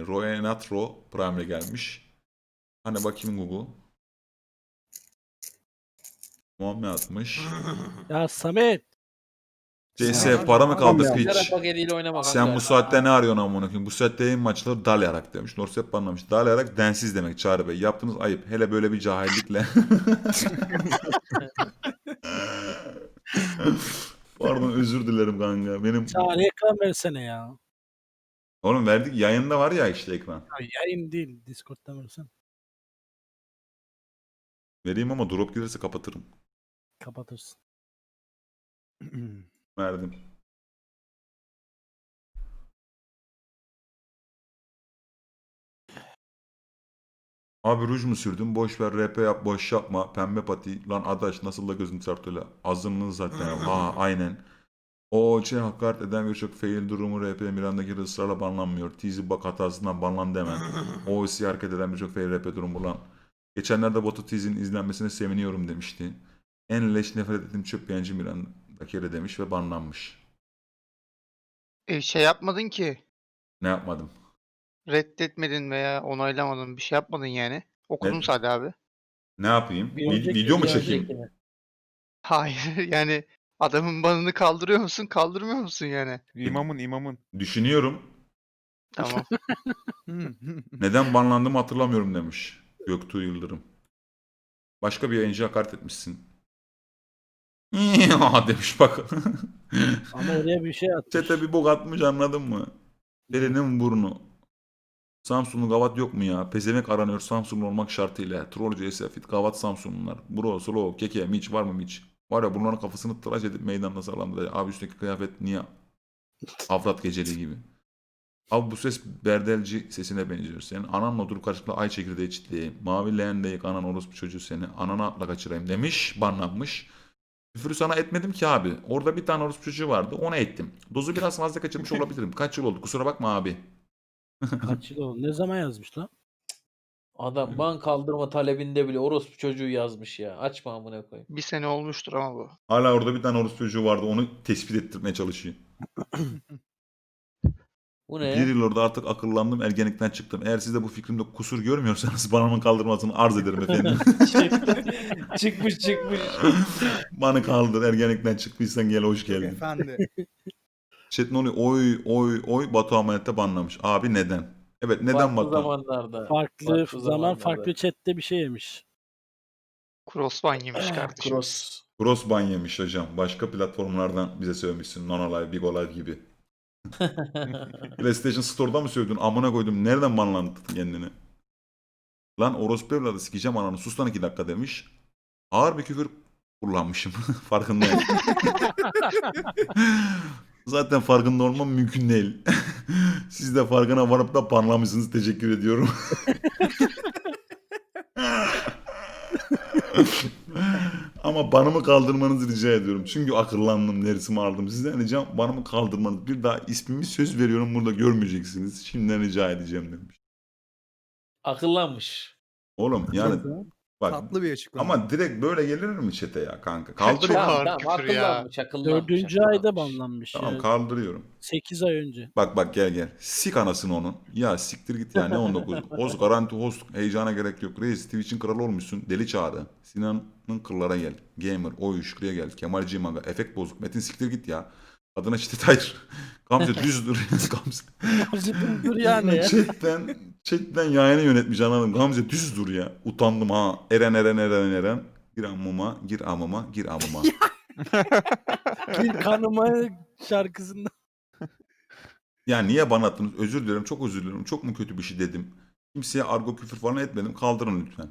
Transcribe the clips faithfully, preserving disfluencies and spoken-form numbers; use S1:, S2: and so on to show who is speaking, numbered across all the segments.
S1: Roenatro Prime'le gelmiş. Hani bakayım Google. Muhammed atmış.
S2: Ya Samet.
S1: C S
S2: Sen-
S1: para mı kaldı
S3: Tamam ya.
S1: piç?
S4: Şarap paketiyle oynama
S1: Sen
S4: kanka.
S1: bu saatte ne arıyorsun amına koyayım? Bu saatte yayın maçları dalayarak demiş. Norsep banlamış. Dalayarak densiz demek Çağrı Bey. Yaptığınız ayıp. Hele böyle bir cahillikle. Pardon özür dilerim kanka. Benim
S2: Çağrı ekran versene ya.
S1: oğlum verdik yayında var ya işte ekran.
S2: Ya yayın değil. Discord'dan versen.
S1: Vereyim ama drop gelirse kapatırım.
S2: Kapatırsın.
S1: Verdim. Abi ruj mu sürdün? Boş ver R P yap boş yapma. Pembe pati. Lan adaş nasıl da gözüm çarptı azınlığı zaten. Ha aynen. O şey hakaret eden birçok fail durumu R P Miran'daki ısrarla banlanmıyor. Teasy bak hatasından banlan deme. O C hareket eden birçok fail R P durumu lan. Geçenlerde Botu Teasy'nin izlenmesine seviniyorum demişti. En leş nefret ettiğim çöp beğenci Miranda'daki yere demiş ve banlanmış.
S3: E, şey yapmadın ki.
S1: Ne yapmadım?
S3: Reddetmedin veya onaylamadın. Bir şey yapmadın yani. Okudun
S1: Ne-
S3: sadece abi.
S1: Ne yapayım?
S4: Bir
S1: Vi-
S4: önceki-
S1: video mu
S4: bir
S1: çekeyim?
S4: öncekini.
S3: Hayır yani adamın banını kaldırıyor musun kaldırmıyor musun yani?
S5: İmamın imamın.
S1: Düşünüyorum.
S3: Tamam.
S1: Neden banlandığımı hatırlamıyorum demiş. Göktuğ Yıldırım. Başka bir yayıncı hakaret etmişsin. demiş bak.
S2: Ama oraya bir şey atmış.
S1: Çete bir bok atmış anladın mı? Elinin burnu. Samsunlu gavat yok mu ya? Pezemek aranıyor Samsunlu olmak şartıyla. Troll C S Fit gavat Samsunlular. Bro, Solo, Keke, Miç var mı Miç? Var ya bunların kafasını tıraş edip meydanda sağlamdı. Abi üstteki kıyafet niye? Avrat geceliği gibi. Abi bu ses berdelci sesine benziyor. Senin ananla oturup karşılıklı ay çekirdeği çitleyeyim. Mavi leğen deyik anan orospu çocuğu seni. Anana atla kaçırayım demiş. Banlanmış. Küfürü sana etmedim ki abi. Orada bir tane orospu çocuğu vardı. Ona ettim. Dozu biraz fazla kaçırmış olabilirim. Kaç yıl oldu? Kusura bakma abi.
S2: Kaç yıl oldu? Ne zaman yazmış lan?
S4: Adam ban kaldırma talebinde bile orospu çocuğu yazmış ya. Açma amına koyayım.
S3: Bir sene olmuştur ama bu.
S1: Hala orada bir tane orospu çocuğu vardı. Onu tespit ettirmeye çalışıyor.
S4: Bu
S1: Bir
S4: ne?
S1: yıl orada artık akıllandım. Ergenlikten çıktım. Eğer siz de bu fikrimde kusur görmüyorsanız banımın kaldırmasını arz ederim efendim.
S4: çıkmış çıkmış.
S1: Banı kaldır. Ergenlikten çıktıysan gel hoş geldin.
S6: Efendi.
S1: Chat ne oluyor? Oy oy oy Batu Amanet'te banlamış. Abi neden? Evet neden
S4: Farklı
S1: Batu?
S4: zamanlarda.
S2: Farklı,
S4: Farklı
S2: zaman
S4: zamanlarda.
S2: farklı chatte bir şey yemiş.
S3: Crossban yemiş kardeşim.
S4: Cross.
S1: Cross ban yemiş hocam. Başka platformlardan bize söylemişsin. Nonolive, Big Olive gibi. PlayStation Store'da mı söyledin? Amına koydum. Nereden banlandın kendini? Lan orospu evladı sikeceğim ananı. Sus lan iki dakika demiş. Ağır bir küfür kullanmışım. Farkındayım. Zaten farkında olmam mümkün değil. Siz de farkına varıp da banlamışsınız. Teşekkür ediyorum. Ama banımı kaldırmanızı rica ediyorum. Çünkü akıllandım, dersimi aldım. Sizden ricam banımı kaldırmanız. Bir daha ismimi söz veriyorum burada görmeyeceksiniz. Şimdiden rica edeceğim demiş.
S4: Akıllanmış.
S1: Oğlum yani bak
S6: Tatlı bir açıklama.
S1: ama direkt böyle gelir mi çete ya kanka?
S3: Çok
S1: Kaldırıyorum.
S3: ağır
S4: Tamam tamam
S3: küfür ya.
S4: akıllanmış akıllanmış.
S2: Dördüncü
S4: akıllanmış.
S2: ayda banlanmış.
S1: Tamam
S2: ya.
S1: kaldırıyorum.
S2: sekiz ay önce.
S1: Bak bak gel gel. Sik anasını onun. Ya siktir git ya ne on dokuz. Host garanti host. Heyecana gerek yok. Reis Twitch'in kralı olmuşsun. Deli Çağrı. Sinan'ın kırlara gel. Gamer. Oy Şükrü'ye gel. Kemal Cimaga. Efekt bozuk. Metin siktir git ya. Adına şiddet hayır. Gamze düz dur. Gamze.
S2: Gamze dur yani ya.
S1: Chatten, chatten yayını yönetmiş anladım. Gamze düz dur ya. Utandım ha. Eren Eren Eren Eren. Gir amıma, gir amıma, gir amıma.
S2: Gir kanıma şarkısında.
S1: Ya niye bana attınız? Özür dilerim, çok özür dilerim. Çok mu kötü bir şey dedim? Kimseye argo küfür falan etmedim. Kaldırın lütfen.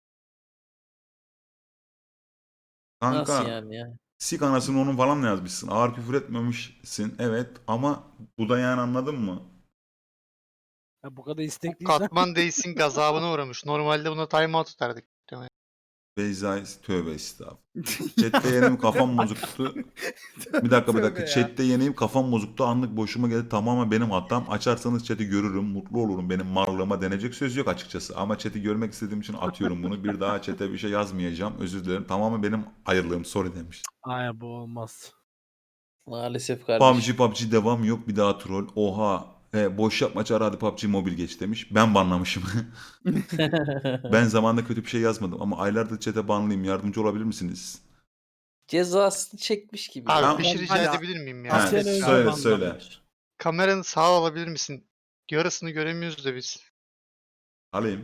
S1: Kanka,
S4: Nasıl yani ya?
S1: sik anasını onun falan mı yazmışsın? Ağır küfür etmemişsin. Evet ama bu da yani anladın mı?
S2: Ya bu kadar istekliysen.
S3: Katman değilsin gazabına uğramış. Normalde buna timeout tutardık.
S1: Beyza tövbe estağfurullah. Chat'te yeneyim kafam bozuktu. Bir dakika bir dakika.
S6: Tövbe ya.
S1: Chat'te yeneyim kafam bozuktu. Anlık boşuma geldi. Tamamen benim hatam. Açarsanız chat'i görürüm. Mutlu olurum. Benim marlığıma denecek söz yok açıkçası. Ama chat'i görmek istediğim için atıyorum bunu. Bir daha chat'e bir şey yazmayacağım. Özür dilerim. Tamamen benim ayırlığım. Sorry demiş.
S2: Ay bu olmaz.
S4: Maalesef kardeşim.
S1: P U B G P U B G devam yok. Bir daha troll. Oha. E, boş yapma çağrı hadi P U B G Mobile geç demiş. Ben banlamışım. Ben zamanında kötü bir şey yazmadım ama aylardır chat'e banlıyım. Yardımcı olabilir misiniz?
S4: Cezasını çekmiş gibi.
S3: Abi
S1: Tamam.
S3: bir şey rica
S2: Hadi.
S3: edebilir miyim
S1: Ha,
S3: ya?
S2: Bir sene önce
S1: söyle,
S2: banlanmış.
S1: söyle.
S3: Kameranı sağa alabilir misin? Yarısını göremiyoruz da biz.
S1: Alayım.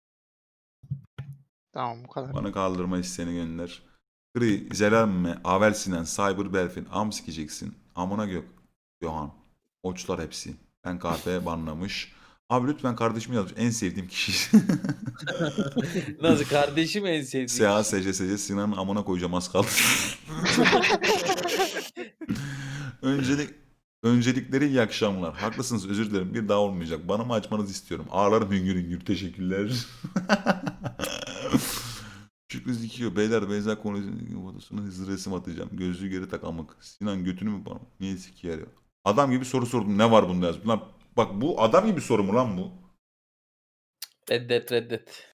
S3: Tamam bu kadar.
S1: Bana kaldırma isteğini gönder. Gri, Zelenme, Avel Sinan, Cyber Belfin, Am sikeceksin. Amına gök. Yohan. Oçlar hepsi. Ben K F banlamış. Abi lütfen kardeşimi yazmış. En sevdiğim kişi.
S4: Nasıl kardeşim en sevdiğim.
S1: S A S C S C Sinan'ın amına koyacağım az kaldı. Öncelik Öncelikleri iyi akşamlar. Haklısınız özür dilerim. Bir daha olmayacak. Bana mı açmanızı istiyorum? Ağlarım hüngür hüngür. Teşekkürler. Şükrü Zikiyor. Beyler benzer konuşuyor. Fotosuna hızlı resim atacağım. Gözlüğü geri tak amık. Sinan götünü mü bana? Niye sikiyor ya? Adam gibi soru sordum. Ne var bunda yazdım. Lan bak bu adam gibi soru mu lan bu?
S4: Reddet reddet.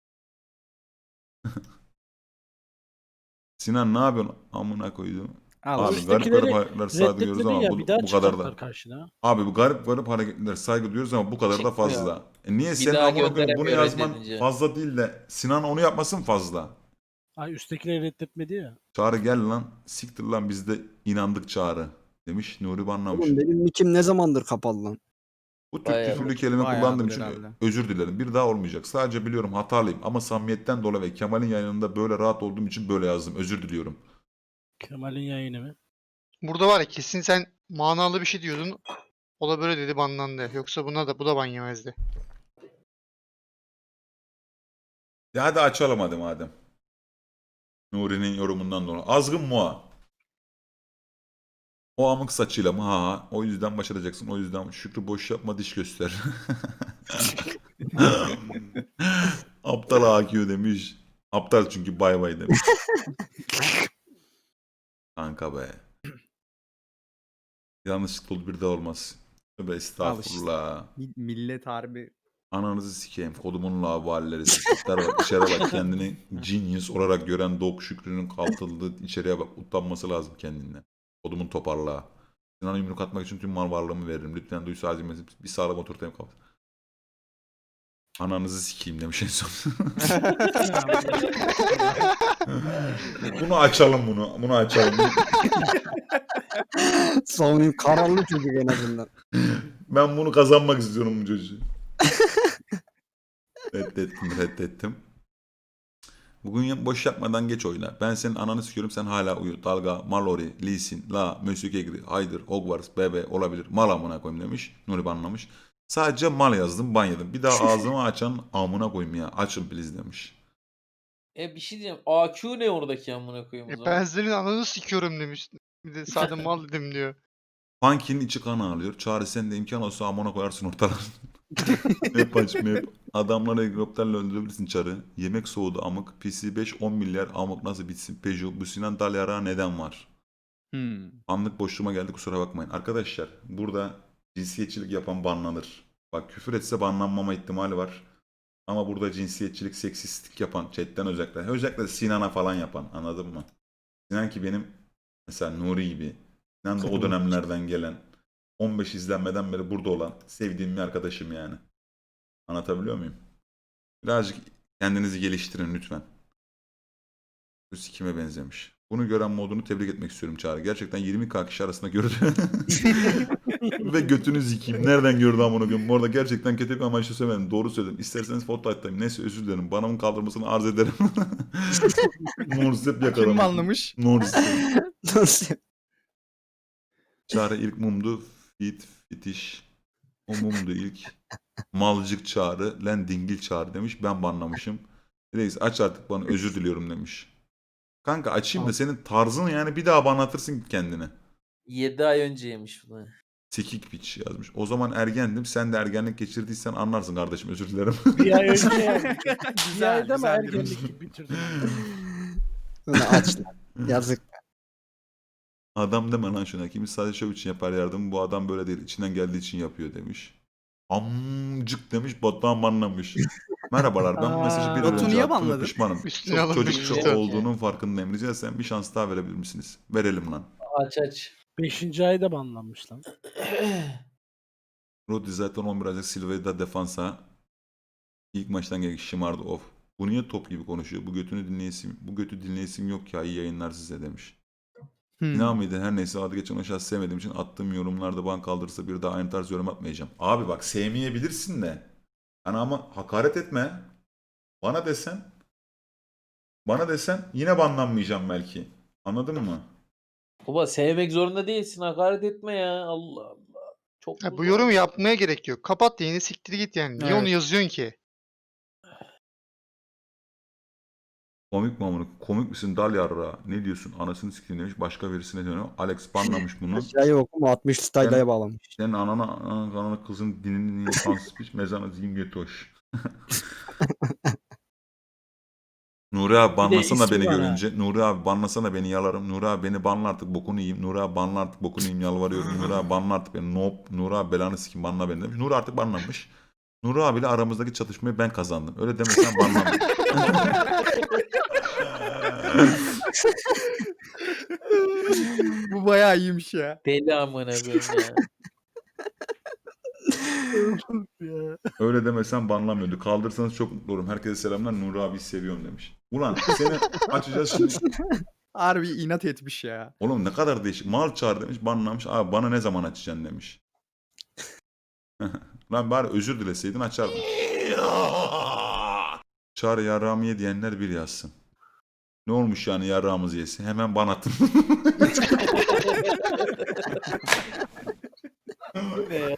S1: Sinan ne yapıyorsun? Amına koydum.
S2: Al,
S1: Abi garip
S2: üsttekileri
S1: garip hareketler saygı duyuyoruz
S2: reddetmedin
S1: ama
S2: ya,
S1: bu,
S2: bir daha
S1: bu kadar
S2: çıkartlar
S1: da.
S2: karşına.
S1: Abi bu garip garip hareketler saygı duyuyoruz ama bu kadar da
S4: Çıkmıyor.
S1: fazla. E niye senin
S4: daha
S1: amına koyayım bunu
S4: gönderemiyor
S1: yazman
S4: reddedince.
S1: fazla değil de Sinan onu yapmasın fazla.
S2: Ay üsttekileri reddetmedi ya.
S1: Çağrı gel lan. Siktir lan biz de inandık Çağrı. Demiş Nuri banlamış.
S5: Oğlum benim nickim ne zamandır kapalı lan?
S1: Bu Türk
S4: Bayağı
S1: küfürlü
S4: oldu.
S1: kelime
S5: Bayağıdır
S1: kullandığım için
S5: herhalde.
S1: özür dilerim. Bir daha olmayacak. Sadece biliyorum hatalıyım ama samimiyetten dolayı ve Kemal'in yayınında böyle rahat olduğum için böyle yazdım. Özür diliyorum.
S2: Kemal'in yayını mı?
S3: Burada var ya kesin sen manalı bir şey diyordun. O da böyle dedi banlandı. Yoksa buna da bu da ban yemezdi.
S1: Ya hadi açalım hadi madem. Nuri'nin yorumundan dolayı. Azgın Moğa. O amık saçıyla mı? Ha ha. O yüzden başaracaksın. O yüzden Şükrü boş yapma diş göster. Aptal A Q demiş. Aptal çünkü bay bay demiş. Kanka be. Yanlışlıkla oldu bir daha olmaz. Tövbe estağfurullah.
S5: Mi- Millet harbi.
S1: Ananızı sikeyim. Kodumun lavalleri. Siktir bak içeri bak kendini genius olarak gören Dog Şükrü'nün kaltıldığı içeriye bak. Utanması lazım kendinden. Kodumun toparlığa. Sinan'a yumruk atmak için tüm mal varlığımı veririm. Lütfen duysa azimesi bir sağlam oturtayım kapat. Ananızı sikeyim demiş en son. Bunu açalım bunu. Bunu açalım.
S5: Savunayım kararlı çocuk en azından.
S1: Ben bunu kazanmak istiyorum bu çocuğu. Reddettim, reddettim. Bugün ya- boş yapmadan geç oyna. Ben senin ananı sikiyorum sen hala uyu. Dalga, Mallory, Lee Sin, La, Monsieur Kegri, Haydır, Hogwarts, Bebe olabilir. Mal amına koyayım demiş. Nuri banlamış. Sadece mal yazdım, ban yedim. Bir daha ağzımı açan amına koyayım ya. Açın please demiş.
S4: E bir şey diyeceğim. A Q ne oradaki amına koyayım o
S3: E,
S4: zaman?
S3: ben senin ananı sikiyorum demiş. Bir de sadece mal dedim diyor.
S1: Funky'nin içi kan ağlıyor. Çağrı sen de imkan olsa amına koyarsın ortalar. Map aç map. Adamları helikopterle öldürebilirsin Çarı. Yemek soğudu amık. P C beş on milyar amık nasıl bitsin? Peugeot bu Sinan Dalyara neden var?
S5: Hmm.
S1: Anlık boşluğuma geldi kusura bakmayın. Arkadaşlar burada cinsiyetçilik yapan banlanır. Bak küfür etse banlanmama ihtimali var. Ama burada cinsiyetçilik, seksistlik yapan chatten özellikle. Özellikle Sinan'a falan yapan anladın mı? Sinan ki benim mesela Nuri gibi. Sinan da o dönemlerden gelen on beş izlenmeden beri burada olan sevdiğim bir arkadaşım yani. Anlatabiliyor muyum? Birazcık kendinizi geliştirin lütfen. Bu sikime benzemiş. Bunu gören modunu tebrik etmek istiyorum Çağrı. Gerçekten yirmi K kişi arasında gördü. Ve götünü zikeyim. Nereden gördü amına koyayım? Bu arada gerçekten kötü bir amaçla söylemedim. Doğru söyledim. İsterseniz foto atayım. Neyse özür dilerim. Banamın kaldırmasını arz ederim. Norsep yakalamış.
S5: Kim anlamış?
S1: Norsep.
S5: Nasıl?
S1: Çağrı ilk mumdu. Fit, fitiş. O mumdu ilk. Malcık Çağrı. Lan dingil Çağrı demiş. Ben banlamışım. Reis aç artık bana özür diliyorum demiş. Kanka açayım da senin tarzın yani bir daha banlatırsın kendini.
S4: yedi ay önce yemiş bunu.
S1: Sekik piç yazmış. O zaman ergendim. Sen de ergenlik geçirdiysen anlarsın kardeşim. Özür dilerim.
S2: Bir ay önce yani. Bir
S5: Güzel,
S2: ayda mı
S5: güzel bir-
S2: ergenlik gibi bitirdin?
S5: Öyle aç lan. Yazık.
S1: Adam deme lan şuna. Kimi sadece şov için yapar yardım. Bu adam böyle değil. İçinden geldiği için yapıyor demiş. Amcık demiş. Batuhan banlamış. Merhabalar ben bu mesajı bir
S2: Aa,
S1: an
S5: Batu
S1: önce
S5: niye
S1: attım ve
S5: banladın?
S1: pişmanım.
S3: Üstüne
S1: Çok
S3: alınmış
S1: çocukça
S4: işte.
S1: olduğunun farkındayım. Rica etsem bir şans daha verebilir misiniz? Verelim lan.
S4: Aç aç.
S2: Beşinci ayda banlanmış lan.
S1: Rodri zaten on bir aylık Silva'yı da defansa ilk maçtan gelip şımardı of. Bu niye top gibi konuşuyor? Bu götünü dinleyesim, bu götü dinleyesim yok ya iyi yayınlar size demiş.
S5: Hmm.
S1: İnan mıydı? Her neyse adı geçen aşağı sevmediğim için attığım yorumlarda ban kaldırırsa bir daha aynı tarz yorum atmayacağım. Abi bak sevmeyebilirsin de. Hani ama hakaret etme. Bana desen bana desen yine banlanmayacağım belki. Anladın mı?
S4: Baba sevmek zorunda değilsin. Hakaret etme ya. Allah Allah. Çok
S3: Ya
S4: mu
S3: bu
S4: zor?
S3: yorumu yapmaya gerek yok. Kapat yayını, siktir git yani. Niye onu
S5: Evet.
S3: yazıyorsun ki?
S1: Komik mi amına? Komik misin dal yarra? Ne diyorsun? Anasını sikeyim demiş. Başka birisine dönüyor. Alex banlamış bunu.
S5: Aşağıya okuma altmış style'a bağlamış.
S1: Senin anana, anana, anana kızın dinini niye kansız piç mezana zim götoş. Nuri abi banlasana
S2: ismi
S1: beni
S2: var ha.
S1: görünce. Nuri abi banlasana beni yalarım. Nuri abi beni banla artık bokunu yiyeyim. Nuri abi banla artık bokunu yiyeyim yalvarıyorum. Nuri abi banla artık beni. Nope. Nuri abi belanı sikeyim banla beni demiş. Nuri artık banlanmış. Nuri abiyle aramızdaki çatışmayı ben kazandım. Öyle demesen banlandım.
S5: Bu bayağı iyiymiş ya.
S4: Deli amına koyayım ya.
S2: Ya.
S1: Öyle demesen banlamıyordu. Kaldırsanız çok mutlu olurum. Herkese selamlar. Nuri abi seviyorum demiş. Ulan seni açacağız şimdi.
S6: Harbi inat etmiş ya.
S1: Oğlum ne kadar değişik. Mal çağır demiş. Banlamış. Abi bana ne zaman açacaksın demiş. Lan bari özür dileseydin açardın. Çağır yarrağımı ye diyenler bir yazsın. Ne olmuş yani yarrağımızı yesin? Hemen ban atın.
S4: Ne ya?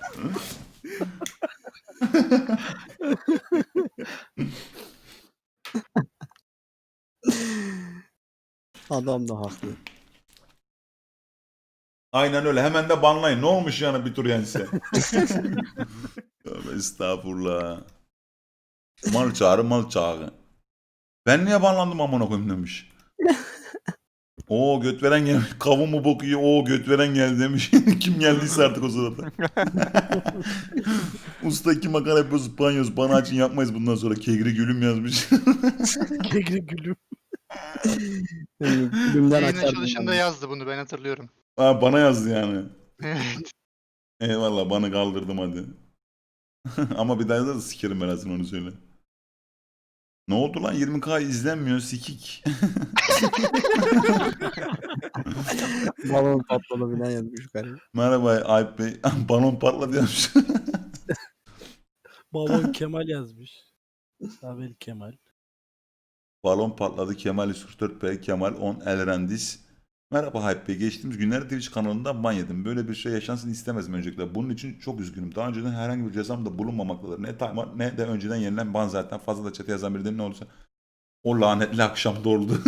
S5: Adam da haklı.
S1: Aynen öyle. Hemen de banlayın. Ne olmuş yani bir tur yense? Tövbe estağfurullah. Mal çağrı mal çağrı. Ben niye banlandım amına koyayım demiş. Oo göt veren gelmiş. Kavun mu boku yiyor? Oo göt veren geldi demiş. Kim geldiyse artık o sırada. Usta iki makara yapıyoruz, banyoz. Bana açın yapmayız bundan sonra. Kegri gülüm yazmış.
S2: Kegri gülüm.
S5: Yani Gülümden
S3: Yayın
S5: açardım.
S3: açılışında
S5: ben.
S3: yazdı bunu, ben hatırlıyorum.
S1: Ha, bana yazdı yani.
S3: Evet.
S1: Eyvallah bana kaldırdım hadi. Ama bir daha yazarsa sikerim ben aslında onu söyle. Ne oldu lan yirmi bin izlenmiyor sikik.
S5: Balon patladı bilen yazmış galiba.
S1: Merhaba Alp Bey. Balon patladı demiş.
S2: Balon Kemal yazmış. Abel Kemal.
S1: Balon patladı Kemal yüz kırk dört P Kemal on Elrendis. Merhaba Alp Bey. Geçtiğimiz günlerde Twitch kanalından ban yedim. Böyle bir şey yaşansın istemezdim öncelikle. Bunun için çok üzgünüm. Daha önceden herhangi bir cezam da bulunmamaktadır. Ne timer ne de önceden yenilen ban zaten. Fazla da chat'e yazan biri değil ne olursa. O lanetli akşam doldu.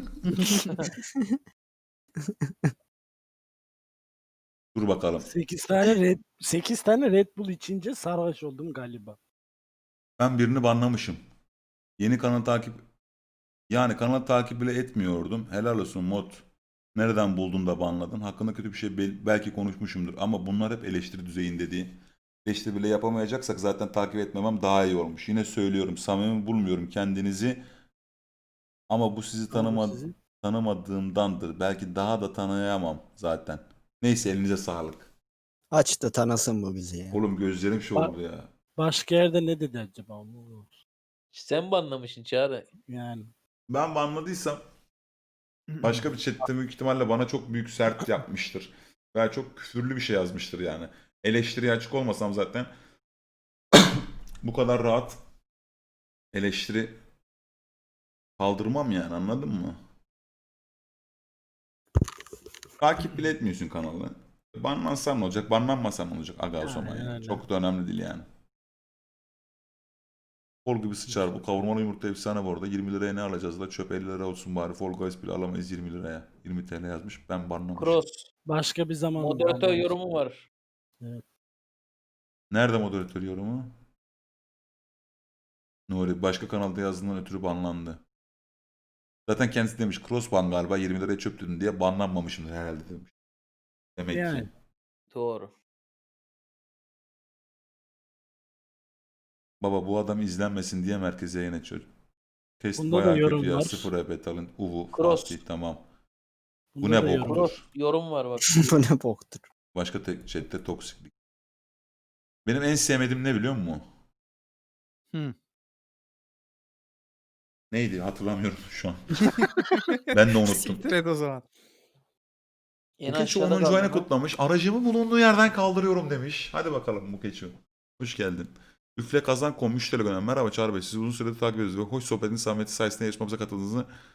S1: Dur bakalım.
S2: sekiz tane Red sekiz tane Red Bull içince sarhoş oldum galiba.
S1: Ben birini banlamışım. Yeni kanal takip yani kanal takip bile etmiyordum. Helal olsun mod. Nereden buldun da banladın? Hakkında kötü bir şey bel- belki konuşmuşumdur ama bunlar hep eleştiri düzeyinde değil. Eleştiri bile yapamayacaksak zaten takip etmemem daha iyi olmuş. Yine söylüyorum samimi bulmuyorum kendinizi. Ama bu sizi tanıma
S2: Sizi-
S1: tanımadığımdandır. Belki daha da tanıyamam zaten. Neyse elinize sağlık.
S5: Aç da tanısın bu bizi ya.
S1: Oğlum gözlerim şey
S2: Ba-
S1: oldu ya.
S2: Başka yerde ne dedi acaba? Onu-
S4: Sen banlamışsın Çağrı.
S2: Yani.
S1: Ben banladıysam başka bir chatte büyük ihtimalle bana çok büyük sert yapmıştır. Veya çok küfürlü bir şey yazmıştır yani. Eleştiriye açık olmasam zaten bu kadar rahat eleştiri kaldırmam yani anladın mı? Takip bile etmiyorsun kanalı. Banlansan ne olacak? Banlanmasan ne olacak? Aga o zaman
S2: Aynen
S1: yani.
S2: öyle.
S1: Çok da önemli değil yani. Fol gibi sıçar bu. Kavurmalı yumurta efsane bu arada. yirmi liraya ne alacağız da çöp elli lira olsun bari. Fall Guys bile alamayız yirmi liraya. yirmi T L yazmış. Ben banlamışım.
S4: Cross.
S2: Başka bir zaman.
S4: Moderatör yorumu var.
S1: Nerede moderatör yorumu? Nuri başka kanalda yazdığından ötürü banlandı. Zaten kendisi demiş cross ban galiba yirmi liraya çöp dedin diye banlanmamışımdır herhalde demiş. Demek
S2: Yani.
S1: ki.
S4: Doğru.
S1: Baba bu adam izlenmesin diye merkeze yayın açıyor. Test
S2: Bunda da
S1: bayağı
S2: yorum
S1: kötü ya.
S2: var.
S1: Sıfır E P talent. Uvu.
S4: Cross.
S1: Fatih tamam. Bu
S2: Bunda
S1: ne
S2: da
S1: bok?
S2: yorum var.
S4: Cross yorum var bak.
S5: Bu ne boktur.
S1: Başka tek chatte toksiklik. Benim en sevmediğim ne biliyor musun?
S6: Hı.
S1: Neydi hatırlamıyorum şu an. Ben de unuttum.
S6: Siktir et o zaman.
S4: En
S1: Mukeçi
S4: aşağıda
S1: onuncu ayını
S4: kaldı lan.
S1: kutlamış. Aracımı bulunduğu yerden kaldırıyorum demiş. Hadi bakalım Mukeçi. Hoş geldin. Üfle kazan kom üç TL gönderen. Merhaba Çağrı Bey. Sizi uzun süredir takip ediyoruz ve hoş sohbetin samimiyeti sayesinde yarışmamıza katıldığınızı